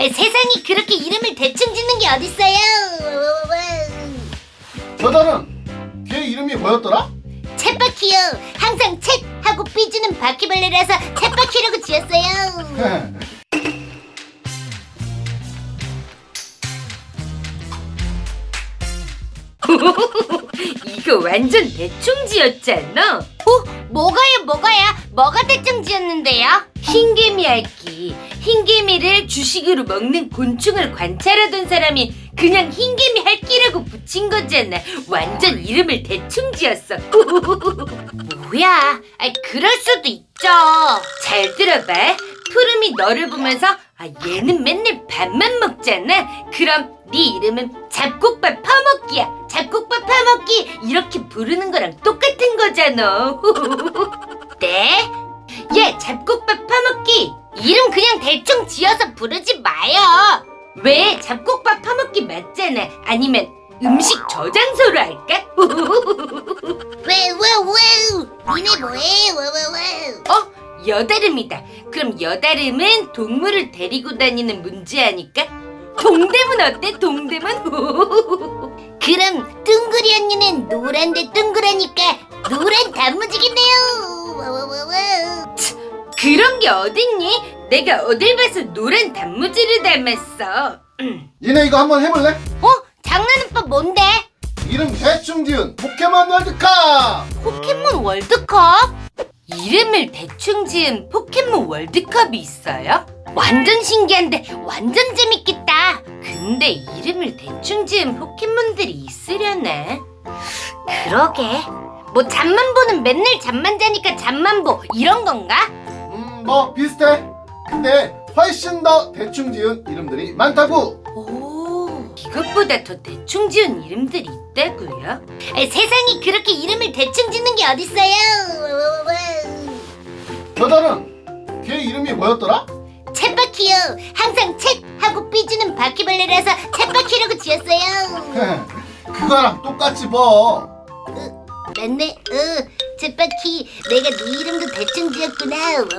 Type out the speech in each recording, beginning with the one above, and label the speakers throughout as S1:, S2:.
S1: 세상이 그렇게 이름을 대충 짓는 게 어딨어요?
S2: 여자는 걔 이름이 뭐였더라?
S1: 쳇바퀴요. 항상 쳇 하고 삐지는 바퀴벌레라서 쳇바퀴라고 지었어요.
S3: 이거 완전 대충 지었잖아.
S1: 뭐가요? 뭐가 대충 지었는데요?
S3: 흰개미 핥기. 흰개미를 주식으로 먹는 곤충을 관찰하던 사람이 그냥 흰개미 핥기라고 붙인 거잖아. 완전 이름을 대충 지었어.
S1: 뭐야? 그럴 수도 있죠.
S3: 잘 들어봐. 푸름이 너를 보면서 얘는 맨날 밥만 먹잖아. 그럼 네 이름은 잡곡밥 퍼먹기야. 잡곡밥 퍼먹기 이렇게 부르는 거랑 똑같은 거잖아.
S1: 네?
S3: 얘 잡곡밥 퍼먹기.
S1: 이름 그냥 대충 지어서 부르지 마요.
S3: 왜? 잡곡밥 퍼먹기 맞잖아. 아니면 음식 저장소로 할까?
S1: 니네 뭐해?
S3: 여다름이다. 그럼 여다름은 동물을 데리고 다니는 문제아니까? 동대문 어때? 동대문?
S1: 그럼 둥그리 언니는 노란데 둥그라니까 노란 단무지겠네요.
S3: 그런 게 어딨니? 내가 어딜 봐서 노란 단무지를 닮았어.
S2: 니네 이거 한번 해볼래?
S1: 장난오빠 뭔데?
S2: 이름 대충 지은 포켓몬 월드컵!
S1: 포켓몬 월드컵?
S3: 이름을 대충 지은 포켓몬 월드컵이 있어요?
S1: 완전 신기한데 완전 재밌겠다.
S3: 근데 이름을 대충 지은 포켓몬들이 있으려나?
S1: 그러게. 뭐 잠만보는 맨날 잠만 자니까 잠만보 이런 건가?
S2: 뭐 비슷해. 근데 훨씬 더 대충 지은 이름들이 많다고.
S3: 오, 이것보다 더 대충 지은 이름들이 있다고요?
S1: 세상이 그렇게 이름을 대충 짓는 게 어딨어요?
S2: 여자는 걔 이름이 뭐였더라?
S1: 쳇바퀴요. 항상 쳇 하고 삐지는 바퀴벌레라서 쳇바퀴라고 지었어요.
S2: 그거랑 똑같이 뭐.
S1: 맞네. 쳇바퀴. 내가 네 이름도 대충 지었구나.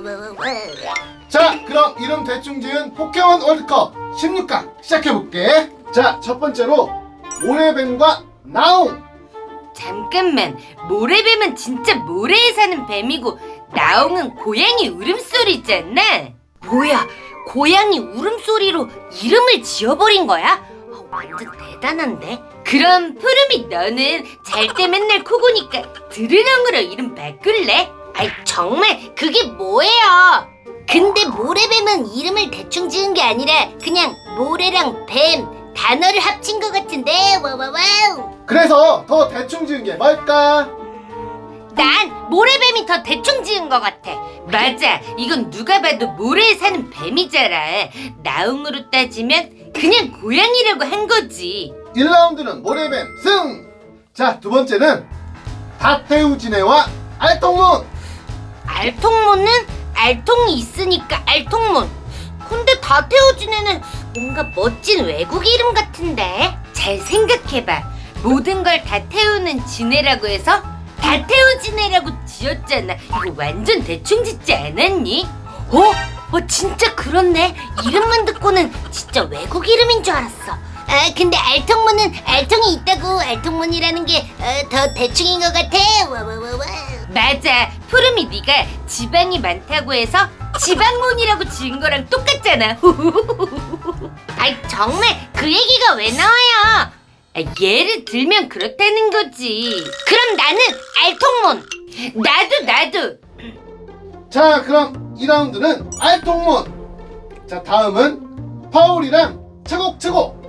S2: 자, 그럼 이름 대충 지은 포켓몬 월드컵 16강 시작해볼게. 자, 첫 번째로 모래뱀과 나옹.
S3: 잠깐만, 모래뱀은 진짜 모래에 사는 뱀이고 나옹은 고양이 울음소리잖아.
S1: 뭐야? 고양이 울음소리로 이름을 지어버린 거야? 완전 대단한데?
S3: 그럼 푸름이 너는 잘 때 맨날 코 고니까 드르렁으로 이름 바꿀래?
S1: 정말 그게 뭐예요? 근데 모래뱀은 이름을 대충 지은 게 아니라 그냥 모래랑 뱀 단어를 합친 것 같은데. 와와와우.
S2: 그래서 더 대충 지은 게 뭘까?
S1: 난 모래뱀이 더 대충 지은 것 같아.
S3: 맞아, 이건 누가 봐도 모래에 사는 뱀이잖아. 나옹으로 따지면 그냥 고양이라고 한 거지.
S2: 1라운드는 모래뱀 승! 자, 두 번째는 다테우지네와 알통문.
S1: 알통문은 알통이 있으니까 알통문. 근데 다태워진 애는 뭔가 멋진 외국 이름 같은데.
S3: 잘 생각해봐. 모든 걸 다 태우는 지네라고 해서 다 태우지네라고 지었잖아. 이거 완전 대충 짓지 않았니?
S1: 진짜 그렇네. 이름만 듣고는 진짜 외국 이름인 줄 알았어. 근데 알통문은 알통이 있다고 알통문이라는 게 더 대충인 것 같아. 와와와와.
S3: 맞아, 푸름이 네가 지방이 많다고 해서 지방몬이라고 지은 거랑 똑같잖아.
S1: 정말 그 얘기가 왜 나와요?
S3: 예를 들면 그렇다는 거지.
S1: 그럼 나는 알통문.
S3: 나도.
S2: 자, 그럼 2라운드는 알통문. 자, 다음은 파울이랑 차곡차곡.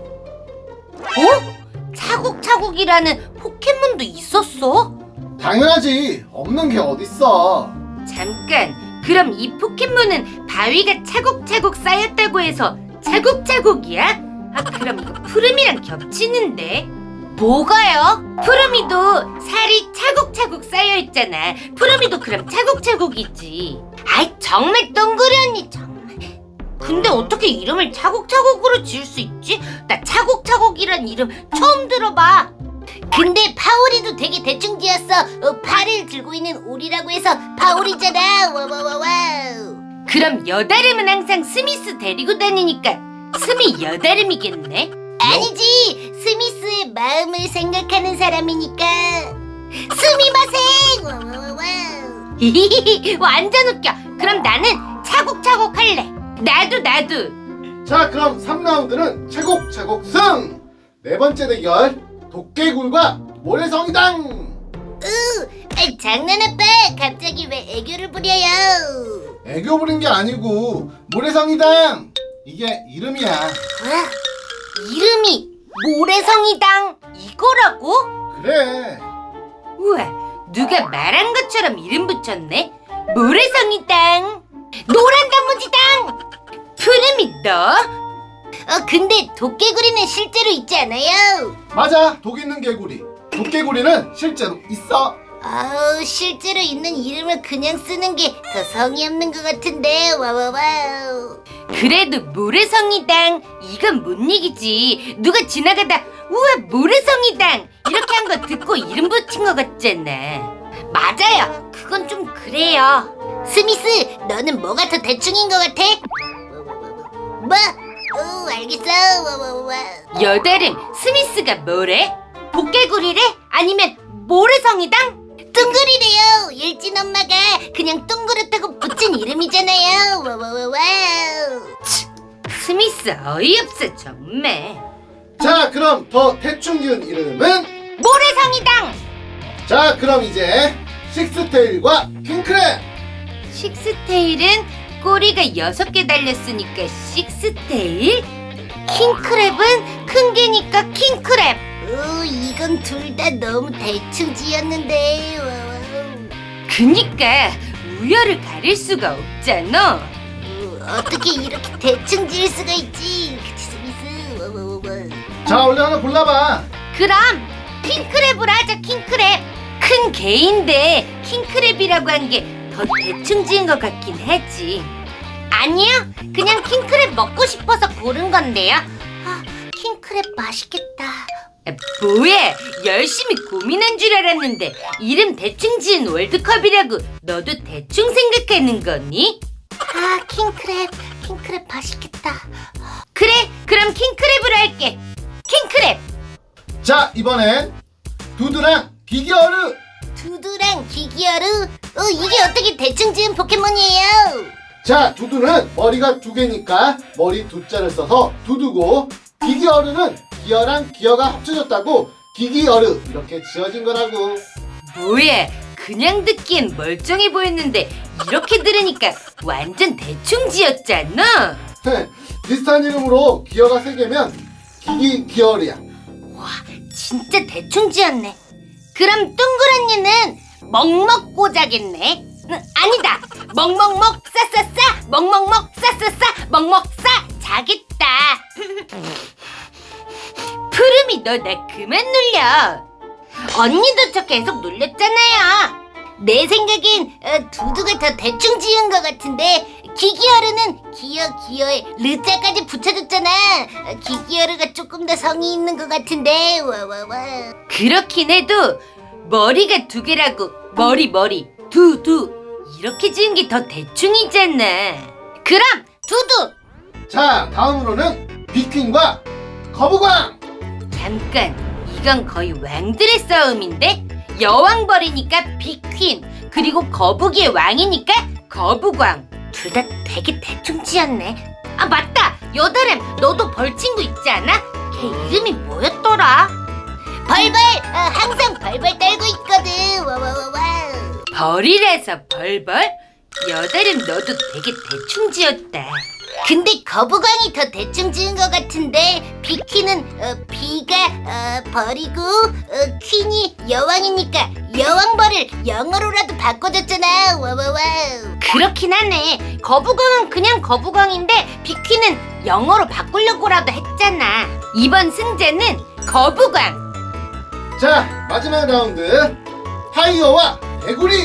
S1: 차곡차곡이라는 포켓몬도 있었어?
S2: 당연하지. 없는 게 어딨어.
S3: 잠깐, 그럼 이 포켓몬은 바위가 차곡차곡 쌓였다고 해서 차곡차곡이야? 그럼 이거 푸름이랑 겹치는데?
S1: 뭐가요?
S3: 푸름이도 살이 차곡차곡 쌓여있잖아. 푸름이도 그럼 차곡차곡이지.
S1: 정말 똥그리 언니 정말. 근데 어떻게 이름을 차곡차곡으로 지을 수 있지? 나 차곡차곡이란 이름 처음 들어봐. 근데 파오리도 되게 대충 지었어. 팔을 들고 있는 오리라고 해서 파오리잖아. 와와와와.
S3: 그럼 여다름은 항상 스미스 데리고 다니니까 스미 여다름이겠네.
S1: 아니지, 스미스의 마음을 생각하는 사람이니까 스미마셍. 와와와와.
S3: 완전 웃겨. 그럼 나는 차곡차곡 할래. 나도.
S2: 자, 그럼 3라운드는 차곡차곡 승! 네 번째 대결 도깨굴과 모래성이당!
S1: 장난 아빠, 갑자기 왜 애교를 부려요?
S2: 애교 부린 게 아니고 모래성이당! 이게 이름이야.
S1: 와, 이름이 모래성이당 이거라고?
S2: 그래.
S3: 우와, 누가 말한 것처럼 이름 붙였네. 모래성이당, 노란 단무지당. 푸름이 너?
S1: 근데 도깨구리는 실제로 있지 않아요?
S2: 맞아, 독 있는 개구리. 도깨구리는 실제로 있어.
S1: 아우, 실제로 있는 이름을 그냥 쓰는 게 더 성의 없는 것 같은데. 와와와우.
S3: 그래도 모래성이당 이건 못 이기지. 누가 지나가다 우와 모래성이당 이렇게 한 거 듣고 이름 붙인 것 같잖아.
S1: 맞아요, 그건 좀 그래요. 스미스, 너는 뭐가 더 대충인 것 같아? 뭐? 알겠어. 와와와.
S3: 여다름, 스미스가 뭐래? 도깨구리래? 아니면 모래성이당?
S1: 둥그리래요. 일진 엄마가 그냥 둥그렇다고 붙인 이름이잖아요. 와와와와.
S3: 스미스 어이없어 정말.
S2: 자, 그럼 더 대충 지은 이름은?
S3: 모래성이당.
S2: 자, 그럼 이제 식스테일과 킹크랩!
S3: 식스테일은 꼬리가 6개 달렸으니까 식스테일. 킹크랩은 큰 개니까 킹크랩.
S1: 이건 둘 다 너무 대충 지었는데.
S3: 그니까 우열을 가릴 수가 없잖아.
S1: 어떻게 이렇게 대충 지을 수가 있지? 그치, 스미스. 와와와와.
S2: 자, 얼른 하나 골라봐.
S3: 그럼 킹크랩으로 하자. 킹크랩. 큰 개인데 킹크랩이라고 한 게 더 대충 지은 것 같긴 하지.
S1: 아니요, 그냥 킹크랩 먹고 싶어서 고른 건데요. 킹크랩 맛있겠다.
S3: 뭐야, 열심히 고민한 줄 알았는데 이름 대충 지은 월드컵이라고 너도 대충 생각하는 거니?
S1: 킹크랩 맛있겠다.
S3: 그래, 그럼 킹크랩으로 할게. 킹크랩.
S2: 자, 이번엔 두두랑 기기어르!
S1: 두두랑 기기어루. 이게 어떻게 대충 지은 포켓몬이에요?
S2: 자, 두두는 머리가 2개니까 머리 2자를 써서 두두고, 기기어르는 기어랑 기어가 합쳐졌다고 기기어르 이렇게 지어진 거라고.
S3: 뭐야, 그냥 듣기엔 멀쩡해 보였는데 이렇게 들으니까 완전 대충 지었잖아.
S2: 비슷한 이름으로 기어가 3개면 기기어르야.
S1: 와, 진짜 대충 지었네. 그럼 둥그런니는 먹먹고자겠네. 아니다, 먹먹먹 싸싸싸, 먹먹먹 싸싸싸, 먹먹싸 자겠다.
S3: 푸름이 너 나 그만 놀려.
S1: 언니도 저 계속 놀렸잖아요. 내 생각엔 두두가 더 대충 지은 것 같은데, 기기어르는 기어에 르자까지 붙여줬잖아. 기기어르가 조금 더 성의 있는 것 같은데. 와와와.
S3: 그렇긴 해도 머리가 2개라고 머리 두두 이렇게 지은 게 더 대충이잖아.
S1: 그럼 두두.
S2: 자, 다음으로는 비퀸과 거북왕!
S3: 잠깐, 이건 거의 왕들의 싸움인데? 여왕벌이니까 비퀸, 그리고 거북이의 왕이니까 거북왕.
S1: 둘 다 되게 대충 지었네. 아, 맞다, 여다름, 너도 벌친구 있지 않아? 걔 이름이 뭐였더라? 벌벌. 항상 벌벌 떨고 있거든. 와와와와.
S3: 벌이라서 벌벌? 여다름 너도 되게 대충 지었다.
S1: 근데 거북왕이 더 대충 지은 것 같은데, 비키는 비가 벌이고 퀸이 여왕이니까 여왕벌을 영어로라도 바꿔줬잖아. 와와와.
S3: 그렇긴 하네. 거북왕은 그냥 거북왕인데 비퀴는 영어로 바꾸려고라도 했잖아. 이번 승자는 거북왕.
S2: 자, 마지막 라운드 파이어와 개구리!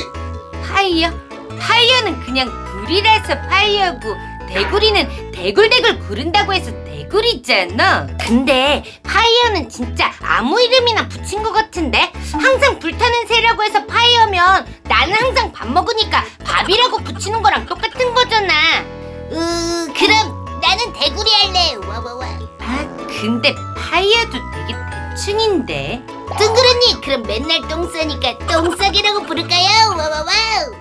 S3: 파이어는 그냥 불이라서 파이어고, 대구리는 대굴대굴 구른다고 해서 대구리잖아.
S1: 근데 파이어는 진짜 아무 이름이나 붙인 것 같은데, 항상 불타는 새라고 해서 파이어면 나는 항상 밥 먹으니까 밥이라고 붙이는 거랑 똑같은 거잖아. 그럼 나는 대구리 할래. 와와와.
S3: 아, 근데 파이어도 되게 대충인데.
S1: 둥그런니 그럼 맨날 똥 싸니까 똥싸기라고 부를까요? 와와와.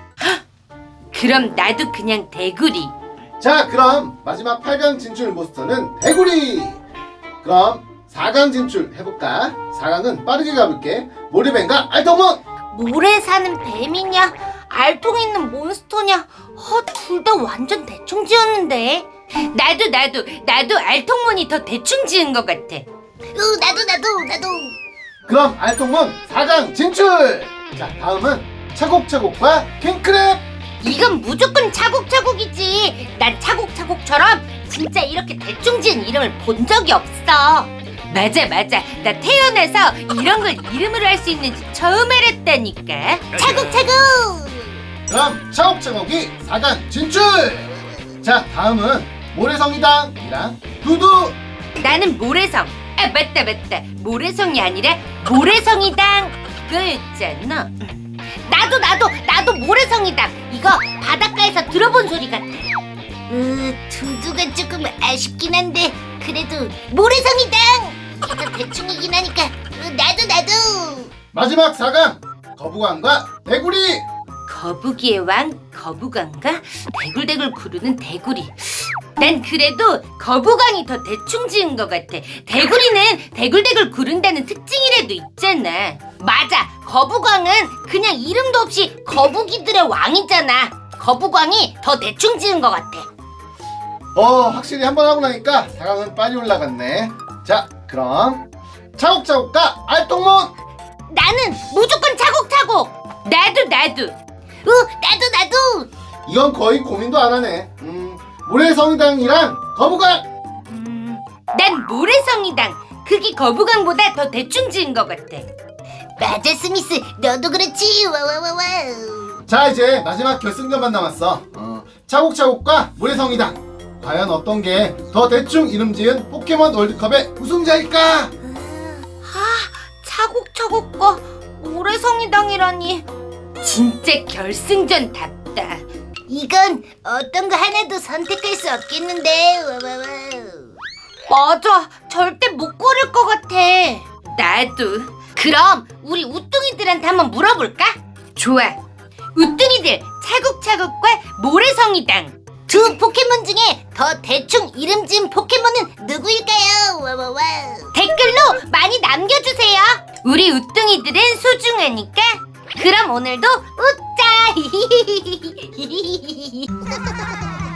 S3: 그럼 나도 그냥 대구리.
S2: 자, 그럼 마지막 8강 진출 모스터는 대구리. 그럼 4강 진출 해볼까? 4강은 빠르게 가볼게. 모래뱀과 알통문.
S1: 모래 사는 뱀이냐? 알통 있는 몬스터냐? 둘 다 완전 대충 지었는데.
S3: 나도 알통문이 더 대충 지은 것 같아.
S1: 나도.
S2: 그럼 알통문 4강 진출. 자, 다음은 차곡차곡과 킹크랩.
S1: 이건 무조건 차곡차곡이지. 난 차곡차곡처럼 진짜 이렇게 대충 지은 이름을 본 적이 없어.
S3: 맞아. 나 태어나서 이런 걸 이름으로 할 수 있는지 처음 알았다니까.
S1: 차곡차곡.
S2: 그럼 차곡차곡이 4강 진출. 자, 다음은 모래성이당이랑 두두.
S3: 나는 모래성. 아, 맞다. 모래성이 아니라 모래성이당. 그거였잖아.
S1: 나도 모래성이다. 이거 바닷가에서 들어본 소리 같아. 두두가 조금 아쉽긴 한데 그래도 모래성이다. 이거 대충이긴 하니까 나도.
S2: 마지막 4강 거북왕과 대구리.
S3: 거북이의 왕 거북왕과 대굴대굴 구르는 대구리. 난 그래도 거북왕이 더 대충 지은 것 같아. 대구리는 대굴대굴 구른다는 특징이라도 있잖아.
S1: 맞아. 거북왕은 그냥 이름도 없이 거북이들의 왕이잖아. 거북왕이 더 대충 지은 것 같아.
S2: 확실히 한 번 하고 나니까 4강은 빨리 올라갔네. 자, 그럼 차곡차곡과 알통문.
S1: 나는 무조건 차곡차곡.
S3: 나도.
S1: 나도.
S2: 이건 거의 고민도 안 하네. 모래성이당이랑 거북왕.
S3: 난 모래성이당. 그게 거북왕보다 더 대충 지은 것 같아.
S1: 맞아, 스미스. 너도 그렇지. 와와와와.
S2: 자, 이제 마지막 결승전만 남았어. 차곡차곡과 모래성이당. 과연 어떤 게 더 대충 이름 지은 포켓몬 월드컵의 우승자일까?
S1: 차곡차곡과 모래성이당이라니.
S3: 진짜 결승전답다.
S1: 이건 어떤 거 하나도 선택할 수 없겠는데. 와와와.
S3: 맞아. 절대 못 고를 것 같아. 나도.
S1: 그럼 우리 우뚱이들한테 한번 물어볼까?
S3: 좋아. 우뚱이들 차곡차곡과 모래성이당.
S1: 두 포켓몬 중에 더 대충 이름 지은 포켓몬은 누구일까요? 와와와. 댓글로 많이 남겨주세요.
S3: 우리 우뚱이들은 소중하니까.
S1: 그럼 오늘도 웃자.